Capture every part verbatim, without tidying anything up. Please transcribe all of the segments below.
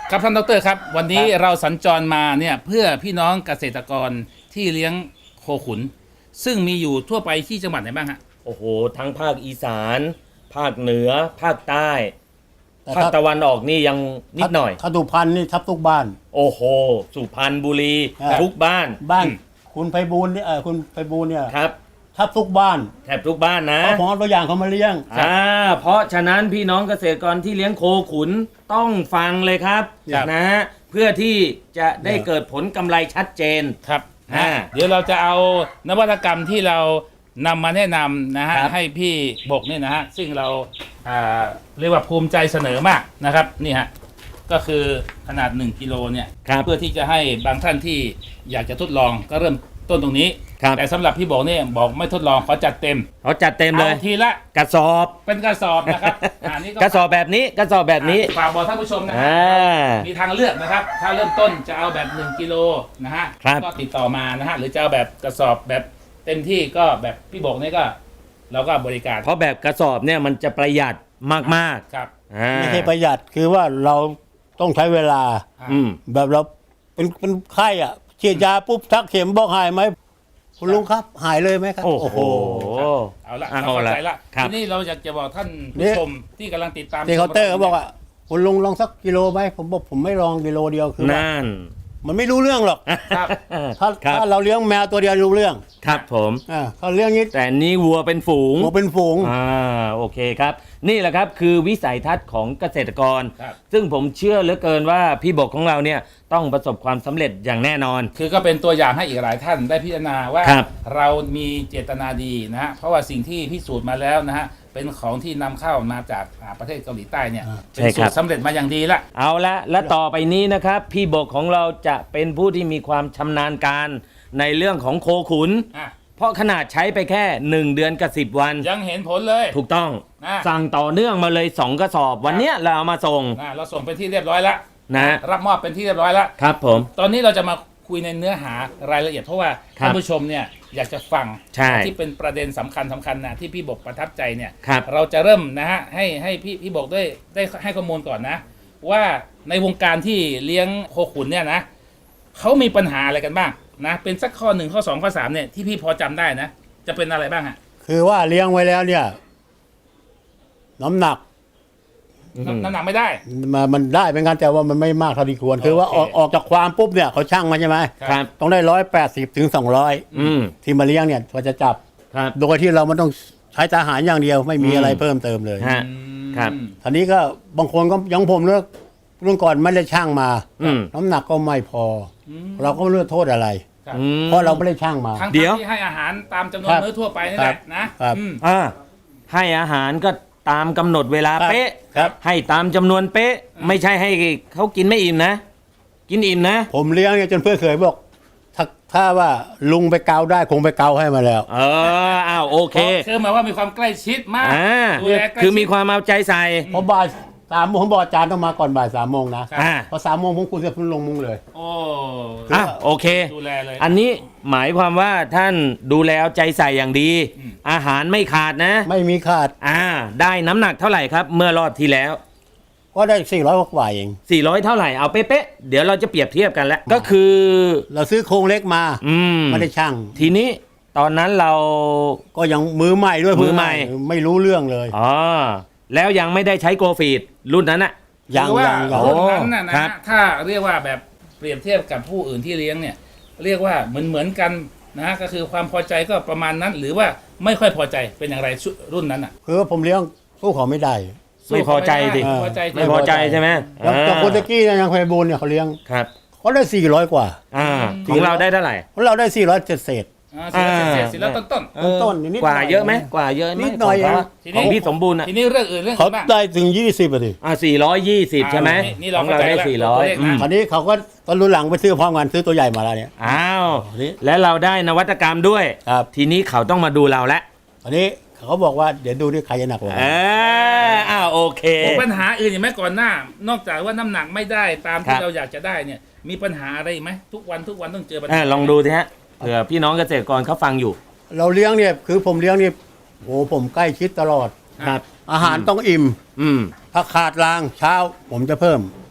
ครับท่านดรครับวันนี้เราสัญจรมาเนี่ยเพื่อพี่น้องเกษตรกรที่เลี้ยงโคขุนซึ่งมีอยู่ทั่วไปที่จังหวัดไหนบ้างฮะโอ้โหทั้งภาคอีสานภาคเหนือภาคใต้แต่ภาคถ้าตะวันออกนี่ยังนิดหน่อยถ้าสุพรรณนี่ทับทุกบ้านโอ้โหสุพรรณบุรีครับทุกบ้านบ้านคุณไพบูลย์เนี่ยเออคุณไพบูลย์เนี่ยครับทับทุกบ้านแทบทุกบ้านนะเพราะผมเอาตัวอย่างเขามาเลี้ยงอ่าเพราะฉะนั้นพี่น้องเกษตรกรที่เลี้ยงโคขุนต้องฟังเลยครับครับนะฮะเพื่อที่จะได้เกิดผลกำไรชัดเจนครับอ่าเดี๋ยวเราจะเอานวัตกรรมที่เรานำมาแนะนำนะฮะครับให้พี่บกเนี่ยนะฮะซึ่งเราอ่าเรียกว่าภูมิใจเสนอมากนะครับนี่ฮะก็คือขนาดหนึ่งกิโลเนี่ยครับเพื่อที่จะให้บางท่านที่อยากจะทดลองก็เริ่มต้นตรงนี้ครับแต่สำหรับพี่บอกเนี่ยบอกไม่ทดลองขอจัดเต็มเขาจัดเต็มเลยอาทีละกระสอบเป็นกระสอบนะครับอ่านี่กระสอบแบบนี้กระสอบแบบนี้ฝากบอกท่านผู้ชมนะฮะอ่ามีทางเลือกนะครับ ถ้าเริ่มต้นจะเอาแบบหนึ่งกิโลนะฮะครับก็ติดต่อมานะฮะหรือจะเอาแบบกระสอบแบบเต็มที่ก็แบบพี่บอกนี่ก็เราก็บริการเพราะแบบกระสอบเนี่ยมันจะประหยัดมากครับๆอ่าไม่ใช่ประหยัดคือว่าเราต้องใช้เวลาอืมแบบเราเป็นเป็นไข้อ่ะฉีดยาปุ๊บทักเข็มบอกหายไหมคุณลุงครับหายเลยไหมครับโอ้โหเอาละเอาเข้าละใจละครับทีนี้เราอยากจะบอกท่านนี่ผู้ชมที่กำลังติดตามที่เคาน์เตอร์เขาบอกว่าคุณลุงลองสักกิโลไหมผมบอกผมไม่ลองกิโลเดียวคือว่านั่นมันไม่รู้เรื่องหรอกครับถ้าครับถ้าเราเลี้ยงแมวตัวเดียวรู้เรื่องครับผมอ่าเขาเลี้ยงนี้แต่นี่วัวเป็นฝูงหมูเป็นฝูงอ่าโอเคครับ นี่แหละครับคือวิสัยทัศน์ของเกษตรกรครับซึ่งผมเชื่อเหลือเกินว่าพี่บกของเราเนี่ยต้องประสบความสำเร็จอย่างแน่นอนคือก็เป็นตัวอย่างให้อีกหลายท่านได้พิจารณาว่าครับเรามีเจตนาดีนะฮะเพราะว่าสิ่งที่พิสูจน์มาแล้วนะฮะเป็นของที่นำเข้ามาจากอ่าประเทศเกาหลีใต้เนี่ยอ่าเป็นสูตรสำเร็จมาอย่างดีละเอาละและต่อไปนี้นะครับ พี่บกของเราจะเป็นผู้ที่มีความชำนาญการในเรื่องของโคขุนอ่ะเพราะขนาดใช้ไปแค่หนึ่งเดือนกับสิบวันยังเห็นผลเลยถูกต้องอ่ะสั่งต่อเนื่องมาเลยสองกระสอบ วันเนี้ยเราเอามาส่งนะเราส่งเป็นที่เรียบร้อยแล้วนะรับมอบเป็นที่เรียบร้อยแล้วครับผมตอนนี้เราจะมาคุยในเนื้อหารายละเอียดเพราะว่าครับท่านผู้ชมเนี่ยอยากจะฟังใช่ที่เป็นประเด็นสำคัญสำคัญนะที่พี่บกประทับใจเนี่ยครับเราจะเริ่มนะฮะให้ให้พี่พี่บกได้ได้ให้ข้อมูลก่อนนะ ว่าในวงการที่เลี้ยงโคขุนเนี่ยนะเขามีปัญหาอะไรกันบ้างนะเป็นสักข้อหนึ่งข้อสองข้อสามเนี่ยที่พี่พอจำได้นะ จะเป็นอะไรบ้างฮะคือว่าเลี้ยงไว้แล้วเนี่ย น้ำหนักน้ำน้ำหนักไม่ได้มามันได้เป็นการแต่ว่ามันไม่มากเท่าที่ควร คือว่าอโออกเคออกจากความปุ๊บเนี่ยเขาช่างมาใช่ไหมครับต้องได้ร้อยแปดสิบถึงสองร้อยอืมที่มาเลี้ยงเนี่ยก็จะจับครับโดยที่เราไม่ต้องใช้ทหารอย่างเดียวไม่มีอืมอะไรเพิ่มเติมเลยฮะ ครับทีนี้ก็บางคนก็อยังผมเลือกรุ่นก่อนไม่ได้ช่างมาอืมน้ำหนักก็ไม่พออมเราก็ไม่รู้จะโทษอะไรครับอืมเพราะเราไม่ได้ช่างมาทั้งเดี๋ยวที่ให้อาหารตามจำนวนครับมื้อทั่วไปนี่แหละนะครับ อืมอ่าให้อาหารก็ตามกำหนดเวลาครับเป๊ะครับให้ตามจำนวนเป๊ะ ไม่ใช่ให้เขากินไม่อิ่มนะ กินอิ่มนะผมเลี้ยงเนี่ยจนเพื่อนเคยบอก ถ้าถ้าว่าลุงไปเกาได้คงไปเกาให้มาแล้วเอออ้าวโอเคคือหมายว่ามีความใกล้ชิดมากอ่าดูแลใกล้ชิดคือมีความเอาใจใส่เพราะบ่ายสามโมงผมบอกอาจารย์ต้องมาก่อนบ่ายสามโมงนะครับอ่าพอสามโมงผมคุยกับคุณลงมุงเลยโอ้อ่ะโอเคดูแลเลยอันนี้หมายความว่าท่านดูแลเอาใจใส่อย่างดีอืมอาหารไม่ขาดนะไม่มีขาดอ่า ได้น้ำหนักเท่าไหร่ครับ เมื่อรอบที่แล้วก็ได้สี่ร้อยกว่าเองสี่ร้อยเท่าไหร่ เอาเป๊ะๆ เดี๋ยวเราจะเปรียบเทียบกันแล้ว ก็คือเราซื้อโครงเล็กมาอืมไม่ได้ช่างทีนี้ตอนนั้นเราก็ยังมือใหม่ด้วยมือใหม่ไม่รู้เรื่องเลยอ๋อ แล้วยังไม่ได้ใช้โกฟีดรุ่นนั้นอะยังคือว่ายังยังรุ่นนั้นน่ะนะครัฮะบถ้าเรียกว่าแบบเปรียบเทียบกับผู้อื่นที่เลี้ยงเนี่ย เรียกว่าเหมือนเหมือนกันนะฮะก็คือความพอใจก็ประมาณนั้น หรือว่าไม่ค่อยพอใจเป็นอย่างไรชุดรุ่นนั้นอ่ะคือว่าผมเลี้ยงสู้เขาไม่ได้ไม่พอใจดิไม่พอใจไม่พอใจใช่ไหมแล้วอ่าแต่คนตะกี้เนยยังไพบูลย์เนี่ยเขาเลี้ยงครับเขาได้สี่ร้อยกว่าอ่า ของเราได้เท่าไหร่ของเราได้สี่ร้อยเจ็ดเศษอ่าสิแล้วเสร็จสิแล้วต้นต้นเออต้นๆนิดหน่อยกว่าเยอะไหมกว่าเยอะไหมนิดหน่อยของเขาทีขนี้องพี่สมบูรณ์อะทีนี้เรื่องอื่นเรื่องเขาอื่นบ้างได้ถึงยี่สิบอ่ะดิอ่าสี่ร้อยยี่สิบใช่ไหมนี่นี่เราของเราได้เข้าใจแล้วสี่ร้อยตัวเลขนะคราวนี้เขาก็ตอนรุ่นหลังไปซื้อพร้อมกันซื้อตัวใหญ่มาแล้วเนี่ยอ้าวอันนี้และเราได้นวัตกรรมด้วยครับทีนี้เขาต้องมาดูเราแล้วอันนี้เขาบอกว่าเดี๋ยวดูที่ใครจะหนักกว่าเอออ้าวโอเคโอ้ปัญหาอื่นอย่างไหมก่อนหน้า นอกจากว่าน้ำหนักไม่ได้ตามครัที่บเราอยากจะได้เนี่ยมีปัญหาอะไรอีกไหมทุกวันทุกวันต้องเจอปัญเอหาอลองดูสิฮะเผื่อพี่น้องเกษตรกรเขาฟังอยู่เราเลี้ยงเนี่ยคือผมเลี้ยงนี่โอ้ผมใกล้ชิดตลอดครับอาหารต้องอิ่มอืมถ้าขาดรางเช้าผมจะเพิ่ม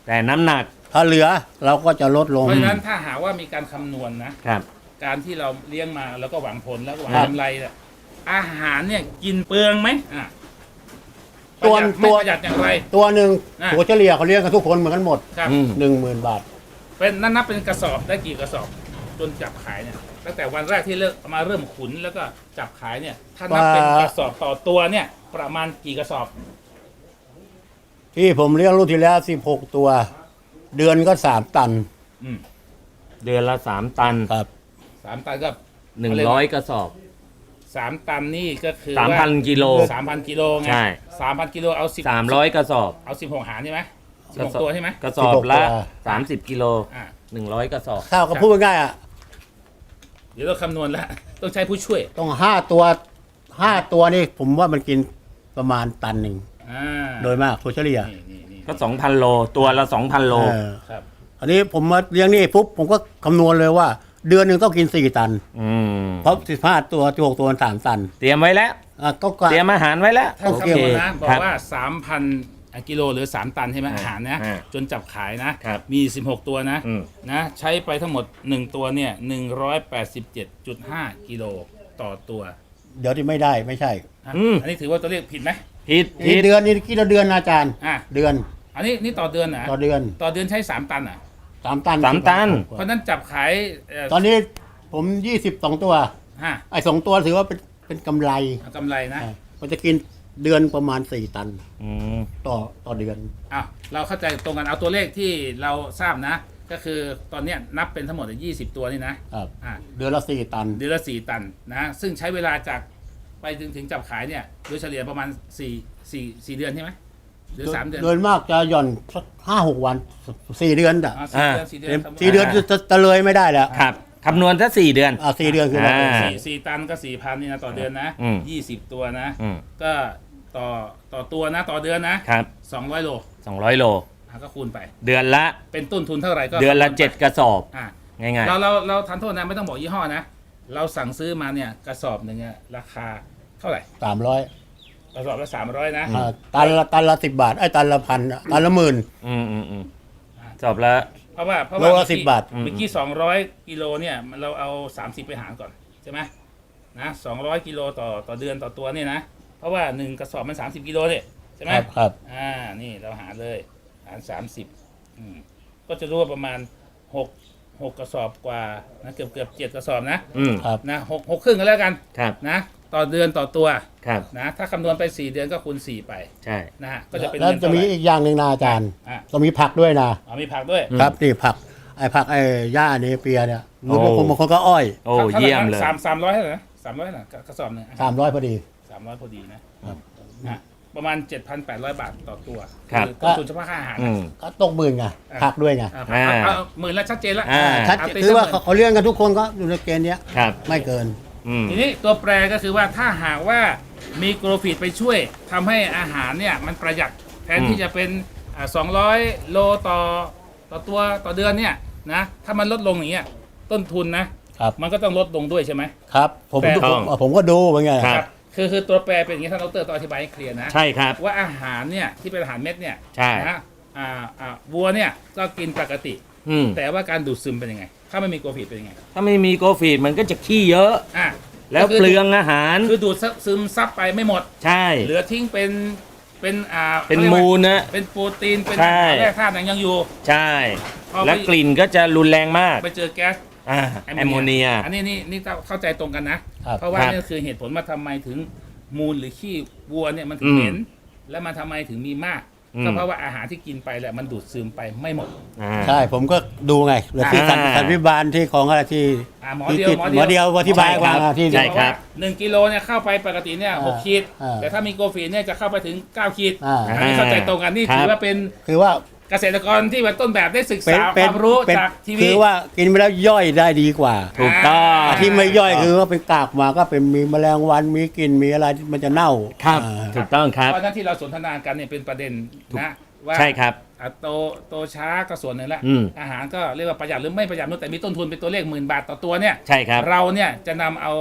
แต่น้ำหนักถ้าเหลือเราก็จะลดลงเพราะฉะนั้นถ้าหากว่ามีการคำนวณนะครับการที่เราเลี้ยงมาแล้วก็หวังผลแล้วก็หวังครับกำไรเนี่ยอาหารเนี่ยกินเปลืองไหมอ่ะตัวประหยัดไม่ตัวประหยัดอย่างไรตัวหนึ่งอ่ะตัวเฉลี่ยเขาเลี้ยงกันทุกคนเหมือนกันหมดครับอืมหนึ่งหมื่นบาทเป็นนั่นนับเป็นกระสอบได้กี่กระสอบจนจับขายเนี่ยตั้งแต่วันแรกที่เริ่มมาเริ่มขุนแล้วก็จับขายเนี่ยถ้านับเป็นกระสอบต่อตัวเนี่ยประมาณกี่กระสอบที่ผมเลี้ยงรุ่นที่แล้วสิบหกตัว เดือนก็สามตันอืมเดือนละสามตันครับสามตันก็หนึ่งร้อยกระสอบสามตันนี่ก็คือสามพันกิโลสามพันกิโลไงใช่สามพันกิโลเอาสิบสามร้อยกระสอบเอาสิบหกหารใช่ไหมสิบกระหกสอบตัวใช่ไหมกระสอบละสิบหกตัวสามสิบกิโลอ่าหนึ่งร้อยกระสอบข้าวก็พูดง่ายๆอ่ะเดี๋ยวเราคำนวณแล้วต้องใช้ผู้ช่วยต้องห้าตัวห้าตัวนี่ผมว่ามันกินประมาณตันหนึ่งอ่าโดยมากตัวเฉลี่ยนี่นี่นี่ก็สองพันโล ตัวละสองพันโลเออครับอันนี้ผมมาเลี้ยงนี่ปุ๊บผมก็คำนวณเลยว่า เดือนหนึ่งต้องกินสี่ตันอืมเพราะสิบห้าตัวสิบหกตัวมันสามตันเตรียมไว้แล้วอ่ะก็กะเตรียมอาหารไว้แล้วถ้าโอเคคำนวณนะบอครักว่าสามพันกิโลหรือสามตันใช่ไหมอ่าอาหารนะอ่าจนจับขายนะครับ มีสิบหกตัวนะอืมนะใช้ไปทั้งหมดหนึ่งตัวเนี่ยหนึ่งร้อยแปดสิบเจ็ดจุดห้ากิโลต่อตัวเดี๋ยวที่ไม่ได้ไม่ใช่อ่ะอืมอันนี้ถือว่าตัวเลขผิดไหมผิดนี่ผิดเดือนนี่กี่เดือนนะอาจารย์อ่ะเดือนอันนี้นี่ต่อเดือนนะต่อเดือนต่อเดือนใช้สามตันอ่ะสามตันสามตันเพราะฉะนั้นจับขายเอ่อตอนนี้ผมยี่สิบสองตัวฮะไอ้สองตัวถือว่าเป็นเป็นกำไรเอากำไรนะอ่ะมันจะกินเดือนประมาณสี่ตันอืมต่อต่อเดือนอ้าวเราเข้าใจตรงกันเอาตัวเลขที่เราทราบนะ ก็คือตอนเนี้ยนับเป็นทั้งหมดยี่สิบตัวนี่นะครับ อ่าเดือนละสี่ตันเดือนละสี่ตันนะซึ่งใช้เวลาจากไปถึงถึงจับขายเนี่ยโดยเฉลี่ยประมาณสี่สี่สี่เดือนใช่ไหมหรือสามเดือนโดยมากจะหย่อนสักห้าหกวันสี่เดือนอ่ะอ่าสี่เดือนสี่เดือนสี่เดือนจะจะจะเลยไม่ได้แล้วครับคำนวณซะสี่เดือนอ่าสี่เดือนคืออ่าสี่สี่ตันก็สี่พันนี่นะต่อเดือนนะอืมยี่สิบตัวนะอืมก็ต่อต่อตัวนะต่อเดือนนะครับ สองร้อยโลสองร้อยโลอ่ะก็คูณไปเดือนละเป็นต้นทุนเท่าไหร่ก็เดือนละคำวณไปเจ็ดกระสอบอ่ะง่ายเราเราเราทันโทษนะไม่ต้องบอกยี่ห้อนะ เราสั่งซื้อมาเนี่ยกระสอบหนึ่งเนี่ยราคาเท่าไหร่สามร้อยกระสอบละสามร้อยนะตันละตันละสิบบาทไอ้ยตันละพันอ่ะตันละหมื่นๆ อืมอืมอืมสอบละเพราะว่าเพราะโลว่าละสิบบาทเมื่อกี้สองร้อยกิโลเนี่ยเราเอาสามสิบไปหารก่อนใช่ไหมนะสองร้อยกิโลต่อต่อเดือนต่อตัวเนี่ยนะเพราะว่าหนึ่งกระสอบมันสามสิบกิโลเนี่ยใช่ไหมครับครับอ่านี่เราหารเลยหารสามสิบอืมก็จะรู้ว่าประมาณหกหกกระสอบกว่านะเกือบเกือบเจ็ดกระสอบนะอืมครับนะหกหกครึ่งก็แล้วกันครับนะต่อเดือนต่อตัวครับนะถ้าคำนวณไปสี่เดือนก็คูณสี่ไปใช่นะฮะก็จะเป็นแล้วเงินจะเท่าไหมีร่อีกอย่างหนึ่งนะอาจารย์อ่ะต้องมีผักด้วยนะอ๋อมีผักด้วยอืมครับนี่ผักไอ้ผักไอ้หญ้าเนเปียเนี่ยโอ้บางคนบางคนก็อ้อยโอ้ท่าไหร่นะเยี่ยมเลยสามสามร้อยเท่าไหร่นะสามร้อยนะกระสอบหนึ่งสามร้อยพอดีสามร้อยพอดีนะครับ นะประมาณเจ็ดพันแปดร้อยบาทต่อตัวครับอต้นทุนเฉพาะค่าอาหารอืมก็ตกหมื่นไงผักด้วยไงอ่ะอ่าเอาเอาหมื่นละชัดเจนละอ่าชัดเาตีคือว่าสักหมื่นเขาเขาเลี้ยงกันทุกคนก็อยู่ในเกณฑ์เนี้ยครับไม่เกินอืมทีนี้ตัวแปรก็คือว่าถ้าหากว่ามีโกลฟีดไปช่วยทำให้อาหารเนี่ยมันประหยัดแทนอืมที่จะเป็นสองร้อยโลต่อต่อตัวต่อเดือนเนี่ยนะถ้ามันลดลงอย่างเงี้ยต้นทุนนะครับ มันก็ต้องลดลงด้วยใช่ไหมครับ ผมแต่ผมผมก็ดูเป็นไงครับคือคือตัวแปรเป็นอย่างนี้ท่านดรต้องอธิบายให้เคลียร์นะใช่ครับว่าอาหารเนี่ยที่เป็นอาหารเม็ดเนี่ยใช่นะอ่าอ่าวัวเนี่ยก็กินปกติอืมแต่ว่าการดูดซึมเป็นยังไง ถ้าไม่มีโกลฟีดเป็นยังไงถ้าไม่มีโกฟีดมันก็จะขี้เยอะอ่ะแล้วก็คืเปลืองอาหารคือดูดซึมซับไปไม่หมดใช่เหลือทิ้งเป็นเป็นอ่าเป็นขารียกว่ามูลนะเป็นโปรตีนเป็นใช่อาหารแร่ธาตุยังอยู่ใช่พอไปและกลิ่นก็จะรุนแรงมากไปเจอแก๊สอ่าแอมโมเนียอันนี้นี่นี่เข้าใจตรงกันนะครับเพราะว่าครับนี่คือเหตุผลว่าทำไมถึงมูลหรือขี้วัวเนี่ยมันถึงอืมเหม็นและมันทำไมถึงมีมากอืมก็เพราะว่าอาหารที่กินไปแหละมันดูดซึมไปไม่หมดอ่าใช่ผมก็ดูไงหรือที่สันอ่าสันวิบาลที่ของอะไรที่อ่าหมอที่เดียวจิตหมอหมอเดีเดียยว วอธิบายใช่คว่ารับที่ใช่ครับหนึ่งกิโลเนี่ยเข้าไปปกติเนี่ยหกขีดอ่าแต่ถ้ามีโกลฟีนเนี่ยจะเข้าไปถึงเก้าขีดอ่าอันนี้เข้าใจตรงกันนี่ครับถือว่าเป็นคือว่าเกษตรกรที่เป็นต้นแบบได้ศึกเป็นษาคเป็นวามรู้เป็นจากทีวีคือว่ากินไปแล้วย่อยได้ดีกว่าถูกต้องที่ไม่ย่อยคือว่าเป็นกากมาก็เป็นมีแมลงวันมีกลิ่นมีอะไรที่มันจะเน่าครับอ่าถูกต้องครับเพราะฉะนั้นที่เราสนทนากันเนี่ยเป็นประเด็นนะว่าใช่ครับอ่ะโตโตช้าก็ส่วนหนึ่งละอืมอาหารก็เรียกว่าประหยัดหรือไม่ประหยัดนู่นแต่มีต้นทุนเป็นตัวเลขหมื่นบาทต่อตัวเนี่ยใช่ครับเราเนี่ยจะนำเอา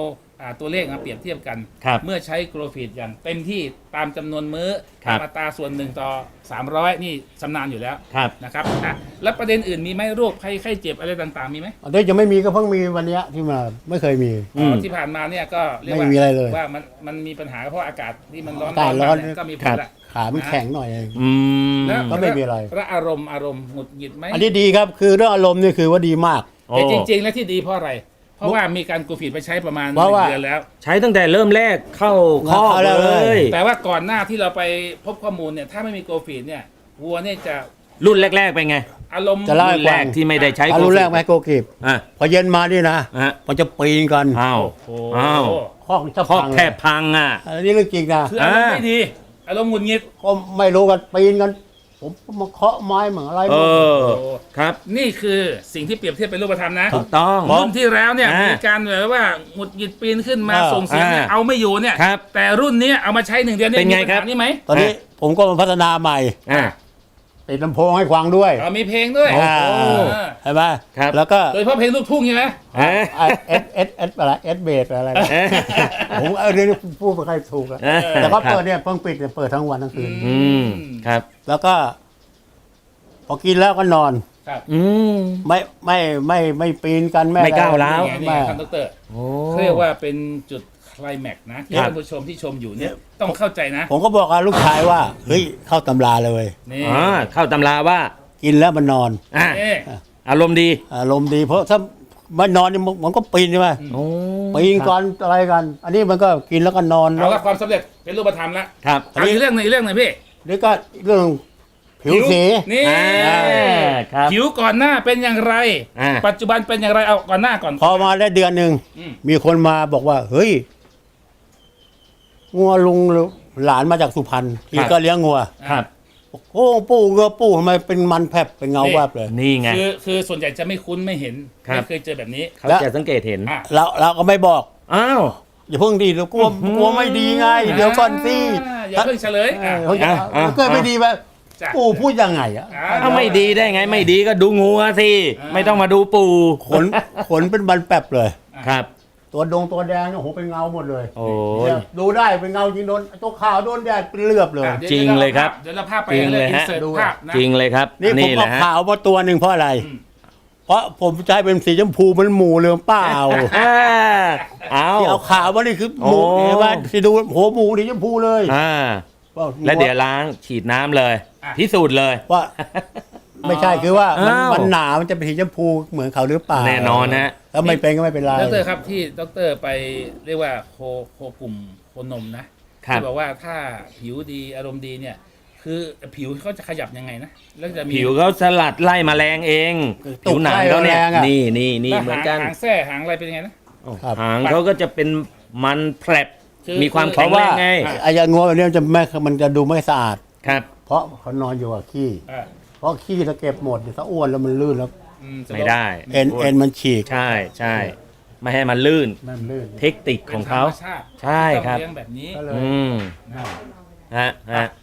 อ่าตัวเลขมาเปรียบเทียบกันครับเมื่อใช้โกรฟีดอย่างเต็มที่ตามจำนวนมื้อครับตามอัตราส่วนหนึ่งต่อสามร้อยนี่ชำนาญอยู่แล้วครับนะครับอ่ะแล้วประเด็นอื่นมีไหมโรคภัยไข้เจ็บอะไรต่างๆมีไหมอันนี้ยังไม่มีก็เพิ่งมีวันเนี้ยที่มาไม่เคยมีอืมที่ผ่านมาเนี่ยก็เรียกไม่ว่ามีอะไรเลยว่ามันมันมีปัญหาเพราะอากาศที่มันร้อนอากาศร้อนมเนี่ยก็มีผครัลบละขามันแข็งหน่อยเองอืมแล้วก็ไม่มีอะไรแล้วอารมณ์อารมณ์หงุดหงิดไหมอันนี้ดีครับคือเรื่องอารมณ์นี่คือว่าดีมากโอ้แต่จริง ๆ แล้วที่ดีเพราะอะไร เพราะว่ามีการกูฟีดไปใช้ประมาณหเพราะนึ่งว่าเดือนแล้วใช้ตั้งแต่เริ่มแรกเข้าข้อเข้าแล้วเลเลยยแต่ว่าก่อนหน้าที่เราไปพบข้อมูลเนี่ยถ้าไม่มีโกฟีดเนี่ยวัวเนี่ยจะรุ่นแรก ๆ เป็นไงอารมณ์จะเล่ารุ่นแรกที่ไม่ได้ใช้อารุนแรกไหมโกกีบอ่ะพอเย็นมานี่นะฮะมันจะปีนกันอ้าวโอ้โหอ้าวข้อจะข้อพังแทบพังอ่ะอันนี้เรื่องจริงนะคืออารมณ์ไม่ดี อารมณ์หงุดหงิดก็ไม่รู้กันปีนกัน ผมมาเคาะไม้เหมือนอะไรเออโอ้ครับนี่คือสิ่งที่เปรียบเทียบเป็นรูปธรรมนะถูกต้องรุ่นที่แล้วเนี่ยอ่ามีมีการแบบว่าหงุดหงิดปีนขึ้นมาอ่าส่งเสียงเนี่ยอ่าเอาไม่อยู่เนี่ยครับแต่รุ่นนี้เอามาใช้หนึ่งเดือนเนี่ยเป็นไงมีปัญครัหาบนี่ไหมตอนนี้ผมก็มาพัฒนาใหม่อ่ะติดลำโพงให้ฟังด้วยเอามีเพลงด้วยอ่าโอ้ใช่ไหมครับแล้วก็โดยเฉพาะเพลงลูกทุ่งใช่ไหมเอ๊ะเอสเอสเอสอะไรเอสเบสอะไรนะเอ๊ะผมเออเดี๋ยวนี้พูดไม่ค่อยถูกอะเอ๊ะแต่ก็เปิดเนี่ยเพิ่งปิดเนี่ยเปิดทั้งวันทั้งคืนอืมครับแล้วก็ พอกินแล้วก็นอนครับอืมไม่ไม่ไม่ไม่ปีนกันไม่ไม่ก้าวร้าวนี่ไงนี่ไม่ไงท่านดอกเตอรโอ้เขาเรียกว่าเป็นจุดไคลแม็กซ์นะที่ครับท่านผู้ชมที่ชมอยู่เนี่ยต้องเข้าใจนะผมก็บอกกับลูกชายว่าเฮ้ยเข้าตำราเลยนี่อ่าเข้าตำราว่ากินแล้วมันนอนอ่ะเอ๊ะอารมณ์ดีอารมณ์ดีเพราะถ้ามันนอนเนี่ยมันก็ปีนใช่ไหมโอ้ปีนกันอะไรกัน อันนี้มันก็กินแล้วก็นอนเอาละความสำเร็จเป็นรูปธรรมแล้วครับเอาอีกเรื่องหนึงอีกเรื่องหนึงพี่นี่ก็เรื่องผิวสีนี่อ่าครับผิวก่อนหน้าเป็นอย่างไรอ่าปัจจุบันเป็นอย่างไรเอาก่อนหน้าก่อนพอมาได้เดือนหนึ่งอืมมีคนมาบอกว่า เฮ้ยงัวลุงหลานมาจากสุพรรณที่ก็เลี้ยงงัวครับโอ้ปู่เงือปู่ทำไมเป็นมันแผบเป็นเงาแวบเลยนี่ไงคือคือส่วนใหญ่จะไม่คุ้นไม่เห็นครับไม่เคยเจอแบบนี้เขาจะสังเกตเห็นอ่ะเราเราก็ไม่บอกอ้าวอย่าเพิ่งดีเรากลัวกลัวไม่ดีไง เดี๋ยวก่อนสิอ่าอย่าเพิ่งเฉลยเออ่ะอเขาจะอ่ะอ่ะเกิดไม่ดีไปจ้ะปู่พูดยังไงอ่ะอ่ะถ้าไม่ดีได้ไงไม่ดีก็ดูงัวสิอ่าไม่ต้องมาดูปู่ขนขนเป็นบันแป๊บเลยครับตัวดงตัวแดงเนี่ยโอ้โหเป็นเงาหมดเลยโอ้ยเนี่ยดูได้เป็นเงาจริงโดนตัวขาวโดนแดดเป็นเลือบเลยอ่ะดี๋วจริงเลยครับเดี๋ยวเราภาพไปจริงเลเลย ยอินฮะเสิร์ตดูภาพนะจริงเลยครับนี่ผมแหเอาละฮะขาวมาตัวหนึ่งเพราะอะไรอืมเพราะผมจะให้เป็นสีชมพูมันหมูเหลืองเปล่าอ่าเอาที่เอาขาวมานี่คือหมูโอ้เห็นไหมที่ดูโหหมูสีชมพูเลยอ่าแล้วเดี๋ยวล้างฉีดน้ำเลยอ่ะพิสูจน์เลยว่า ไม่ใช่คือว่ามันอ้าวมันหนามันจะเป็นสีชมพูเหมือนเขาหรือเปล่าแน่นอนฮะถ้าไม่เป็นก็ไม่เป็นไรดรครับที่ดรไปเรียกว่าโคโคกลุ่มโคนมนะครับ ที่บอกว่าถ้าผิวดีอารมณ์ดีเนี่ย คือผิวเขาจะขยับยังไงนะแล้วจะมีผิวเขาสลัดไล่แมลงเอง ผิวหนังเขาเนี่ยนี่นี่นี่แล้วเหมือนหางกันหางแส้หางอะไรเป็นยังไงนะหางเขาก็จะเป็นมันแผลบคือมีความเพแข็งราะแรว่างไงไอ้ยางงัวแบบนี้มันจะไม่มันจะดูไม่สะอาดครับเพราะเขานอนอยู่กับขี้อ่าเพราะขี้ถ้าเก็บหมดเนี่ยถ้าอ้วนแล้วมันลื่นแล้วอืสะดวกไม่ได้เอ็นเอ็นมันฉีกใช่ใช่ไม่ให้มันลื่นมันลื่นเทคนิคของเขาป็นธรรมชติใช่ครับต้องเลี้ยงแบบนี้ก็เลยอืมนะฮะฮะ